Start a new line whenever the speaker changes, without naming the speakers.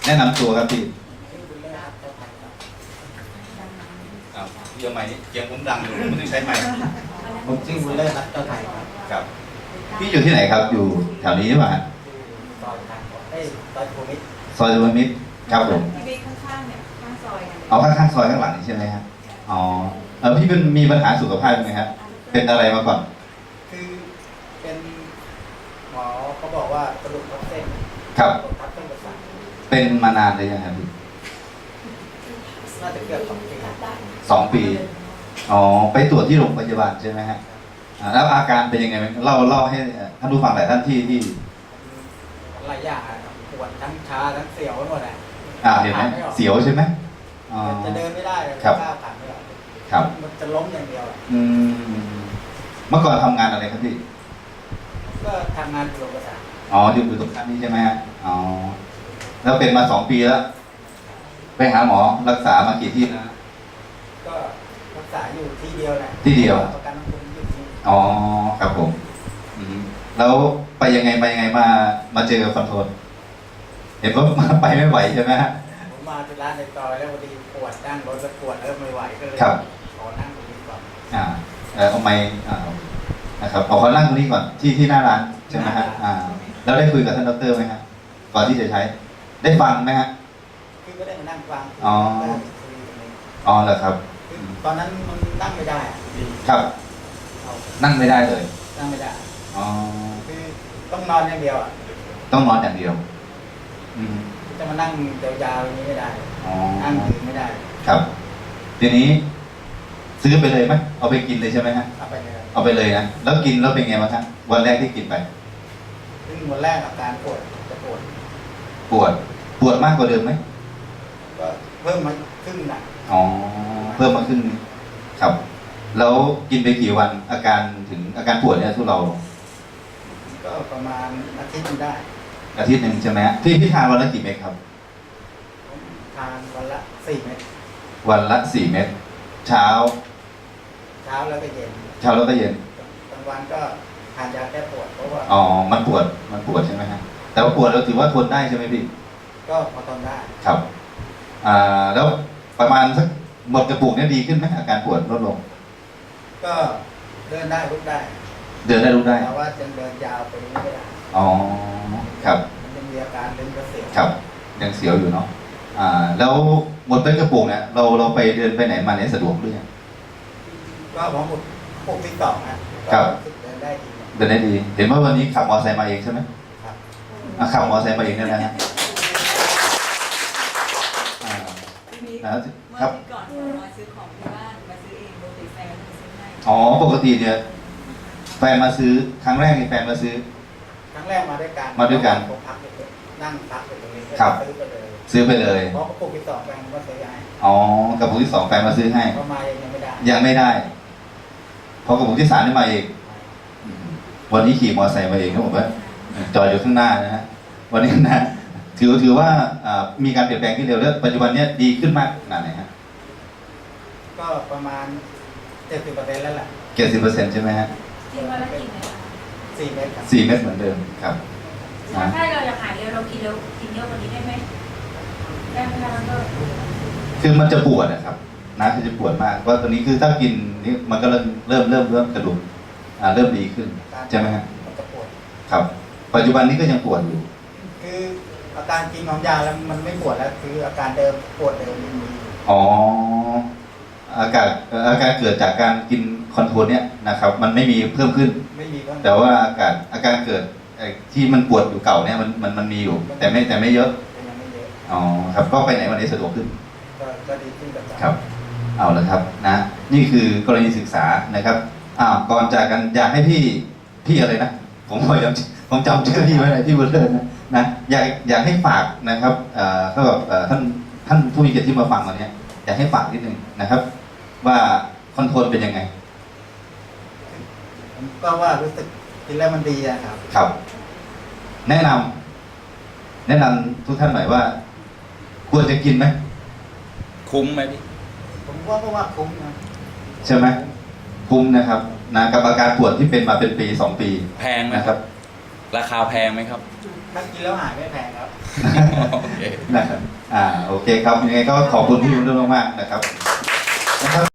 แนะนำตัวครับพี่
ชื่อบุญเลิศครับเจ้าไทยครับ
พี่เอาไม้เสียงผมดังอยู่ไม่ต้องใช้ไม้
ผมชื่อบุญเลิศครับเจ้าไทยครับ
ครับพี่อยู่ที่ไหนครับอยู่แถวนี้ใช่ไหม
ซอยทางซอยโคมิตร
ซอยสุวรรณมิตรครับผม
ที่เบข้างๆเนี่ยข้างซอยกัน
เอาข้างๆซอยข้างหลังนี่ใช่ไหมครับอ๋อพี่เป็นมีปัญหาสุขภาพไหมครับเป็นอะไรมาก่อน
คือเป็นหมอเขาบอกว่ากระดูกทับเส้น
ครับ
กระดูกทับเส้นประสาท
เป็นมานานเลยยังครับพี่
น่าจะเกือบ2 ปี
2 ปีอ๋อไปตรวจที่โรงพยาบาลใช่ไหมฮะแล้วอาการเป็นยังไงเล่าให้ท่านผู้ฟังหลายท่านที่
หลายอย่างครับปวดทั้งชาทั้งเสียวไปหมดอ่ะ
เห็นไหมเสียวใช่ไหมอ๋อ
จะเดินไม่ได้เลย
ครับ
ก้าวขาไม่ออก
ครับ
มันจะล้มอย่างเดียวอะ
เมื่อก่อนทำงานอะไรครับพี่
ก็ทำงานอยู่โรงพยาบาล
อ๋ออยู่ตรงนั้นนี่ใช่ไหมฮะอ๋อแล้วเป็นมา2 ปีแล้วไปหาหมอรักษามากี่ที่นะ
ก็รักษาอยู่ที่เดียวแหละ
ที่เดียว
ประกันสังคมอยู่ที่
อ๋อครับผมแล้วไปยังไงมาเจอกับคอนโทรลเห็นว่ามาไปไม่ไหวใช่ไหมฮะ
ผมมาที่ร้านในซอยแล้วพอดีปวดนั่งรถแล้วปวดไม่ไหวก็เลย
ครับ
ขอนั่งตรงนี้ก่อน
เอาไม้นะครับเอาเขานั่งตรงนี้ก่อนที่หน้าร้านใช่ไหมฮะแล้วได้คุยกับท่านดรไหมฮะก่อนที่จะใช้ ได้ฟังไหมฮะ
คือก็ได้มานั่งฟัง
อ๋อ
ได้คุยกันเลย
อ๋อเหรอครับ
คือตอนนั้นมันนั่งไม่ได้อะ
ครับ
เอา
นั่งไม่ได้เลย
นั่งไม่ได้
อ๋อ
คือต้องนอนอย่างเดียวอ่ะ
ต้องนอนอย่างเดียว
จะมานั่งยาวๆอย่างนี้ไม่ได้
อ๋อ
นั่งยืนไม่ได้
ครับทีนี้ซื้อไปเลยไหมเอาไปกินเลยใช่ไหมฮะ
เอาไปเลย
เอาไปเลยนะแล้วกินแล้วเป็นไงบ้างครับวันแรกที่กินไป
ซึ่งวันแรกอาการปวดจะปวด
ปวดมากกว่าเดิมไหม
ก็เพิ่มมาครึ่งหนัก
อ๋อเพิ่มมาขึ้นครับ แล้วกินไปกี่วันอาการปวดเนี่ยทุเรา
ก็ประมาณอาทิตย์หนึงได้
อาทิตย์หนึ่งใช่ไหมฮะพี่ทานวันละกี่เม็ดครับ
ผมทานวันละ4 เม็ด
วันละ4 เม็ดเช้า
เช้าแล้วก็เย็น
เช้าแล้วก็เย็น
กลางวันก็ทานยาแก้ปวดเพราะว่า
อ๋อมันปวดใช่ไหมฮะแต่ว่าปวดเราถือว่าทนได้ใช่ไหมพี่
ก็พอทนได้
ครับแล้วประมาณสักหมดกระปุกเนี่ยดีขึ้นไหมอาการปวดลดลง
ก็เดินได้ลุกได้
เดินได้รู้ได้
แต่ว่ายังเดินยาวไปไม่ได้
อ๋อครับ
มันยังมีอาการเดินกระเสียว
ครับยังเสียวอยู่เนาะแล้วหมดเป็นกระปุกเนี่ยเราไปเดินไปไหนมาไหนสะดวกหรือยัง
ก็พอหมดปกติต่อนะครับ ก็เดินได้ดีนะ
เดินได้ดี เห็นว่าวันนี้ขับมอเตอร์ไซค์มาเองใช่ไหม
ครับ
ขับมอเตอร์ไซค์มาเองเนี่ยนะฮะ
ที่มี
นะ
เมื่อ
ครับ
ที่ก่อนมาซื้อของที่บ้านมาซื้อเองโดยติแฟนมาซื้อให้
อ๋อปกติเนี่ยแฟนมาซื้อครั้งแรกนี่แฟนมาซื้อ
ครั้งแรกมาด้วยกัน
มาด้วยกัน
ผมพักอยู่นั่งพักอยู่ตรงนี้ก็
ครับ
ซื้อไปเลย
ซื้อไปเลย
เพราะกระปุกที่สองแฟนก็ซื้อให้
อ๋อกระปุกที่ 2แฟนมาซื้อให้
เพราะมายังไม่ได้
ยังไม่ได้พอกระปุกที่3นี่มาเองวันนี้ขี่มอเตอร์ไซค์มาเองครับผมว่าจอดอยู่ข้างหน้านะฮะวันนี้นะถือว่ามีการเปลี่ยนแปลงที่เร็วแล้วปัจจุบันเนี้ยดีขึ้นมากขนาดไหนฮะ
ก็ประมาณ70%แล้วแหละ
70%ใช่ไหมฮะ
กินวันละกี่เม็ดคะ
4 เม็ดครับ
4 เม็ดเหมือนเดิมครับ
ถ้าเราอยากหายเร็วเรากินเร็วกินเยอะกว่านี้ได้ไหมได้ไหมคะดร
คือมันจะปวดนะครับนะคือจะปวดมากว่าตอนนี้คือถ้ากินนี่มันก็เริ่มกระดูกเริ่มดีขึ้นใช่ไหมฮะ
มันจะปวด
ครับ ปัจจุบันนี้ก็ยังปวดอยู่
คืออาการกินของยาแล้วมันไม่ปวดแล้วคืออาการเดิมปวดเดิมยังมีอยู่
อ๋ออาการเกิดจากการกินคอนโทรลเนี่ยนะครับ มันไม่มีเพิ่มขึ้น
ไม่มีก็
แต่ว่าอาการเกิดที่มันปวดอยู่เก่าเนี่ยมันมีอยู่ แต่ไม่เยอะ
ยังไม่เยอะ
อ๋อครับก็ไปไหนวันนี้สะดวกขึ้น
ก็ดีขึ้นกับ
ครับ เอาละครับนะ นี่คือกรณีศึกษานะครับก่อนจากกันอยากให้พี่อะไรนะผมจำชื่อพี่ไว้หน่อยพี่บุญเลิศนะอยากให้ฝากนะครับก็แบบท่านผู้มีเกียรติที่มาฟังวันนี้อยากให้ฝากนิดนึงนะครับ ว่าคอนโทรลเป็นยังไง
ผมก็ว่ารู้สึกกินแล้วมันดีอะครับ
ครับ แนะนำทุกท่านหน่อยว่า ควรจะกินไหม
คุ้มไหมพี่
ผมว่าคุ้มนะ
ใช่ไหมคุ้มนะครับนะกับอาการปวดที่เป็นมาเป็นปี 2 ปี
แพงไหม
นะครับ
ราคาแพงไหมครับ
กถ้ากินแล้วหายไม่แพงครับ
โอเค
นะครับโอเคครับยังไงก็ขอบคุณพี่บุญเรื่องมากๆนะครับ